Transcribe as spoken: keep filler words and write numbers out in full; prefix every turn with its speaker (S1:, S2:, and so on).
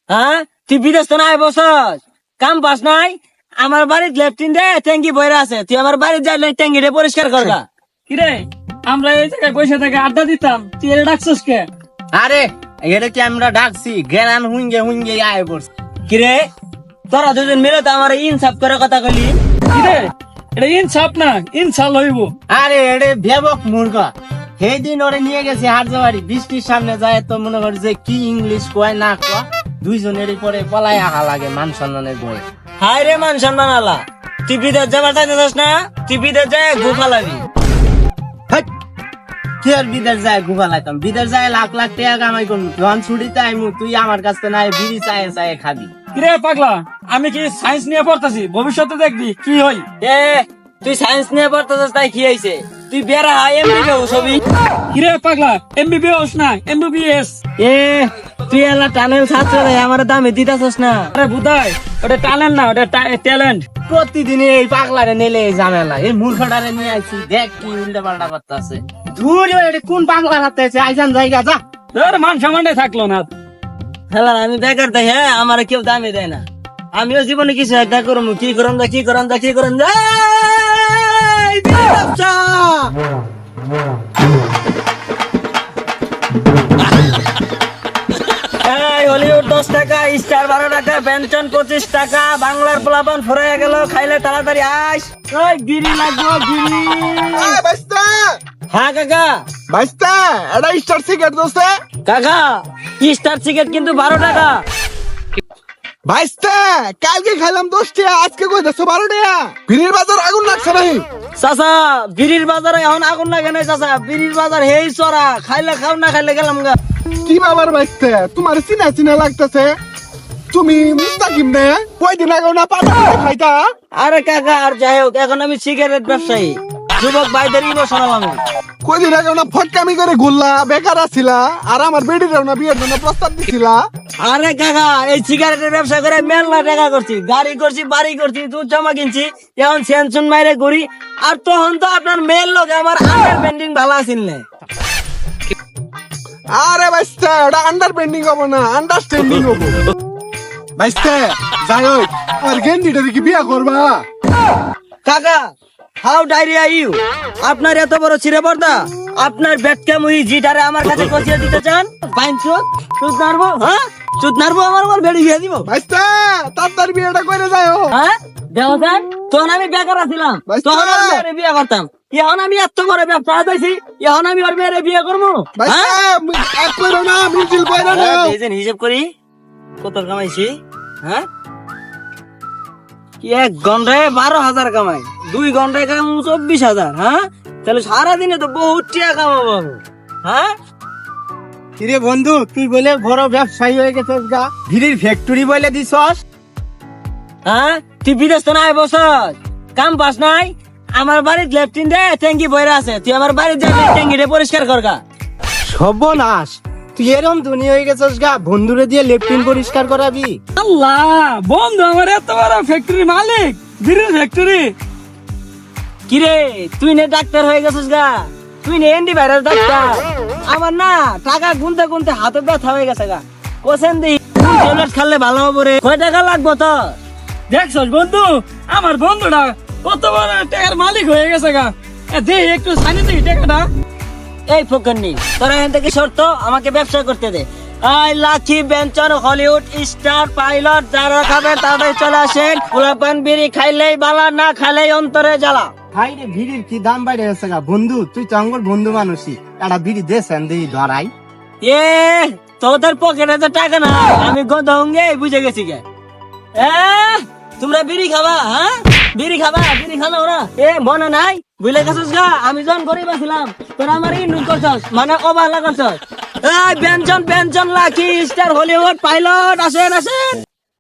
S1: হ্যাঁ তুই বিদেশ তো নাই বসস, কাম পাস নাই। আমার বাড়ির লেফটিন দে ট্যাঙ্কি বইরা আছে, তুই আমার বাড়ির যাই ট্যাঙ্কিটা পরিষ্কার করগা।
S2: কিরে আমরা এই জায়গায় বসে থেকে আড্ডা দিতাম, তুই এটা ডাকছিস কে?
S1: আরে এটা কি আমরা ডাকছি, জ্ঞান হুঙ্গে হুঙ্গে আয় পড়ছি। কিরে তোরা দুজন মিলে তো আমার ইনসাফ করে কথা কইলি।
S2: কিরে এটা ইনসাফ না, ইনসাল হইব।
S1: আরে এড়ে ভেবক মুর্গা, সেই দিন ওরে নিয়ে গেছে হাটজাবাড়ি, বৃষ্টির সামনে যায় তো মনে করে যে কি ইংলিশ কয় না কয়, দুইজনের পরে পলাই আহা লাগে মান সম্মানের বয়ে। হায় রে মান সম্মান আলা, তুই বিদেশ যাবার চাইতেছিস না, তুই বিদেশ যায় গুফা লাগি। কি আর বিদেশ যায় গুফা লাগতাম, বিদেশ যায় লাখ লাখ টাকা কামাই করবো, যখন ছুটিতে আইমু তুই আমার কাছ থেকে নাই বিড়ি চায়ে চায়ে খাবি।
S2: কিরে পাগলা, আমি কি সায়েন্স নিয়ে পড়তাছি, ভবিষ্যতে দেখবি কি হই।
S1: এ তুই সায়েন্স নিয়ে পড়তেছিস তাই কি হয়েছে, তুই বেড়া এমবি ছবি।
S2: কিরে পাগলা, এমবিবিএস না এমবিবিএস?
S1: এ তুই এলা টানেল ছাত্র রে, আমার দামে দিতাছস না।
S2: আরে বুদাই, ওটা ট্যালেন্ট না, ওটা ট্যালেন্ট।
S1: প্রতিদিন এই পাগলারে নেলে এই ঝামেলা, এই মূর্খটারে নিয়ে আইছি, দেখ কি উল্টা পাল্টা করতেছে। ধুর এটা কোন পাগলার হাতে আছে, আইজান জায়গা যা।
S2: তোর মান সম্মানটাই থাকলো না।
S1: হেলা আমি বেকার দেয়, হ্যাঁ আমার কেউ দামে দেয় না। আমিও জীবনে কিছু একটা করবো, কি করম যা কি করম যা কি করম যা। এই ব্যবসা এই হলিউড দশ টাকা, স্টার বারো টাকা, পেনশন পঁচিশ টাকা, বাংলার পোলাপান ফরাইয়া গেল, খাইলে তাড়াতাড়ি আস। ওই গিরি লাগবো গিরি।
S3: বাইস্তা
S1: হ্যাঁ কাকা।
S3: বাইস্তা এটা স্টার সিগারেট দোস্তে।
S1: কাকা স্টার সিগারেট কিন্তু বারো টাকা।
S3: বাইস্তা কালকে খাইলাম দশ টাকা, আজকে কই দশ বারো টাকা। ভিড়ের বাজার আগুন লাগছে নাই?
S1: চাচা বিড়ির বাজারে এখন আগুন লাগে নাই চাচা, বিড়ির বাজার হেই চড়া, খাইলে খাও না খাইলে গেলাম গা।
S3: কি বাবার বাইস্তা, তোমার চিনা চিনা লাগতেছে, তুমি মুস্তাকিম নে? কয়দিন আগে না পাতা খাইতা?
S1: আরে কাকা আর যাই হোক, এখন আমি সিগারেট ব্যবসায়ী, যুবক ভাইদের ইমোশনাল আমি।
S3: কয়দিন আগে না ফটকামি করে ঘুরলা, বেকার আছিলা, আর আমার বেডির না বিয়ের জন্য প্রস্তাব দিছিলা।
S1: আরে কাকা এই সিগারেটের ব্যবসা করে মেলা টাকা করছি, গাড়ি করছি, বাড়ি করছি, দুধ জমা কিনছি, এখন সেনসুন মাইরে ঘুরি। আর তখন তো আপনার মেয়ের লোক আমার আন্ডার পেন্ডিং ভালো আছিল না।
S3: আরে বাইস্তা ওটা আন্ডার পেন্ডিং হবো না, আন্ডারস্ট্যান্ডিং হবো। বাইস্তা যাই হোক, আর গেন্ডিটারে কি বিয়া করবা?
S1: কাকা হাউ ডায়রিয়া ইউ, আপনার এত বড় ছিঁড়ে পর্দা, আপনার বেটকা মুহি জিটারে আমার কাছে কচিয়ে দিতে চান? পাইন চুত চুত নারবো, হ্যাঁ চুত নারবো, আমার আমার বেড়ি বিয়ে দিব।
S3: বাইস্তা তার বিয়েটা করে যায়।
S1: হ্যাঁ দেওয়ান, তখন আমি বেকার আছিলাম, তখন আমি মেয়েরে বিয়ে করতাম। এখন আমি এত বড় ব্যবসা দিয়েছি, এখন আমি ওর মেয়েরে বিয়ে করবো। হিসেব করি কত কামাইছি, হ্যাঁ কি এক ঘন্টায় বারো হাজার কামাই, দুই ঘন্টায় কামাবো চব্বিশ হাজার। হ্যাঁ তাহলে সারাদিনে তো বহুত টাকা কামাবো। হ্যাঁ
S3: কিরে বন্ধু, তুই বলে বড় ব্যবসায়ী হয়ে গেছিস গা, ভিড়ির ফ্যাক্টরি বলে দিছস।
S1: হ্যাঁ তুই বিদেশ তো নাই বসস, কাম পাস নাই। আমার বাড়ির লেফটিন দে ট্যাঙ্কি বইরা আছে, তুই আমার বাড়ির যাই ট্যাঙ্কিটা পরিষ্কার করগা।
S3: সর্বনাশ, তুই এরম ধনী হয়ে গেছিস গা, বন্ধুরে দিয়ে লেফটিন পরিষ্কার করাবি?
S2: আল্লাহ, বন্ধু আমার এত বড় ফ্যাক্টরি মালিক, বিড়ির ফ্যাক্টরি।
S1: কিরে তুই নে ডাক্তার হয়ে গেছিস গা, তুই নে এন্টি ভাইরাস ডাক্তার। আমার না টাকা গুনতে গুনতে হাতে ব্যথা হয়ে গেছে গা। কোসেন দি ট্যাবলেট খেলে ভালো হবে রে, কয় টাকা লাগবো তো?
S2: দেখছস বন্ধু, আমার বন্ধুটা কত বড় টাকার মালিক হয়ে গেছে গা। এ দে একটু সানি দে টাকাটা।
S1: এই ফকন্নি তোরা এখান থেকে সরতো, আমাকে ব্যবসা করতে দে। আই লাকি বেঞ্চন হলিউড স্টার পাইলট, যারা খাবে তারাই চলে আসেন। পোলাপান বিড়ি খাইলেই বালা, না খাইলেই অন্তরে জ্বালা।
S3: হাই রে, ভিড়ির কি দাম বাইরে গেছে গা। বন্ধু তুই তো আমার বন্ধু মানুষই, একটা বিড়ি দেন দিই ধরাই।
S1: এ তোদের পকেটে তো টাকা না, আমি গন্ধ হঙ্গে বুঝে গেছি গে। এ তোমরা বিড়ি খাবা? হ্যাঁ বিড়ি খাবা, বিড়ি খানো না? এ মনে নাই বুঝলে গেছিস গা, আমি যখন গরিব ছিলাম তোরা আমার ইনভেস্ট করছস, মানে অবহেলা করছস। এই বেঞ্চন বেঞ্চন লাকি স্টার হলিউড পাইলট আসেন আসেন।